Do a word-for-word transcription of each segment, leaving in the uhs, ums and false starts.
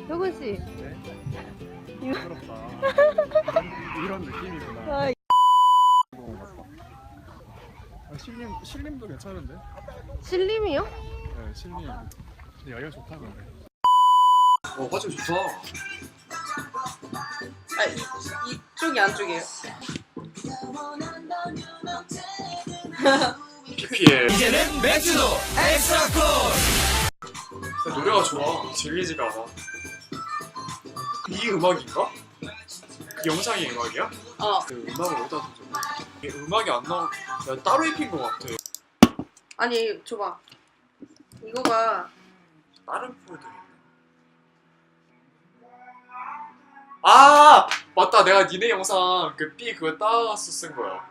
효근 씨. 네? 부끄럽다. 이런 느낌이구나. 아, 아, 실림, 실림도 괜찮은데? 신림이요? 네, 실림. 근데 여기가 좋다 근데. 어, 화질 좋다. 아, 이, 이쪽이 안쪽이에요. 피피엘. 이제는 맥주도 엑스트라 콜. 노래가 좋아. 질리지가 않아. 이 음악인가? 그 영상이 음악이야? 어. 그 음악을 어디다 뒀어? 이게 음악이 안 나오. 야, 따로 입힌 것 같아. 아니, 줘봐. 이거가 다른 폴더 있네. 아 맞다. 내가 니네 영상 그 B 그거 따와서 쓴 거야.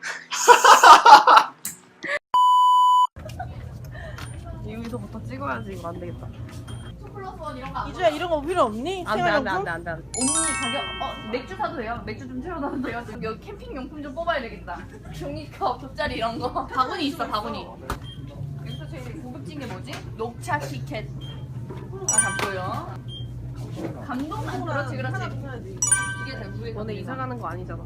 여기서부터 찍어야지. 이거 안 되겠다. 이주야 이런 거 필요 없니? 안 돼, 안 돼, 안 돼, 안 돼. 언니 가격 어 맥주 사도 돼요? 맥주 좀 채워놔도 돼요? 여기 캠핑 용품 좀 뽑아야 되겠다. 종이컵, 돗자리 이런 거. 바구니 있어 바구니. 여기서 제일 고급진 게 뭐지? 녹차 시켓. 아다 보여. 감동만 그렇지 그렇지. 이게 다 무에. 너네 이사 가는 거 아니잖아.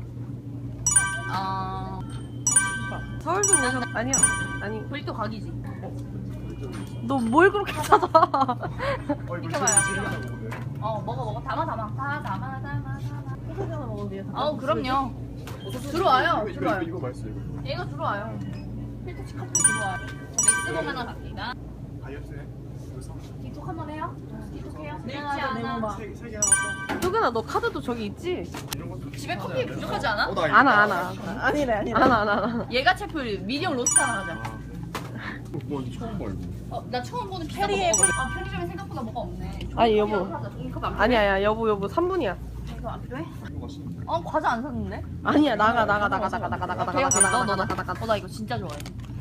아 서울도 오셔. 아니야. 아니. 브리또 각이지. 너 뭘 그렇게 찾아? 어, 이거 비켜봐요. 질린다고 오늘. 어 먹어 먹어 담아 담아 다 담아 담아 담아. 소세지 하나 먹으면 돼요. 아우 그럼요. 들어와요 이거, 이거, 들어와요. 이거 맛있어 이거. 얘가 들어와요. 필터치 컵도 들어와요. 맥스봉 하나 갑니다. 다이어트해. 이거 사. 틱톡 한번 해요? 틱톡 해요? 네, 하나, 네모 하나. 봐. 세, 세개 하나 효근아, 너 카드도 저기 있지? 이런 것도. 집에 커피 부족하지 않아? 어, 나 이거 안 와, 나- 안 와. 아니래 아니래. 안 와, 안 와, 안 와. 얘가 채플 미디엄 로스트 하나 가자. 아, 뭐 처음 봐 이거. 어, 나 처음 보는 피자 페리에 먹어볼래. 아, 편의점에 생각보다 뭐가 없네. 아니, 여보. 종이컵 안 필요해? 아니야, 야, 여보, 여보, 삼 분이야. 종이컵 안 필요해? 이거 맛있는데. 어, 과자 안 샀는데? 아니야, 나가, 나가, 나가, 나가, 나가, 나가, 나가, 돼요, 나가, 돼요. 너, 너, 나가, 너. 나가, 나가. 어, 나 이거 진짜 좋아해.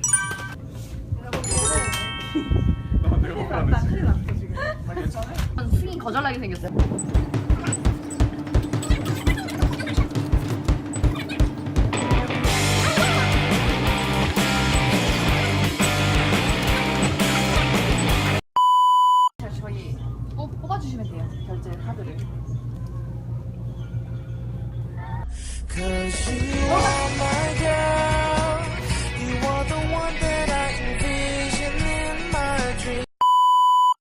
나 내가 먹으라는 지금. 아 괜찮아? 승이 거절나게 생겼어요. 자, 저희 뽑, 뽑아주시면 돼요. 결제 카드를. Cause you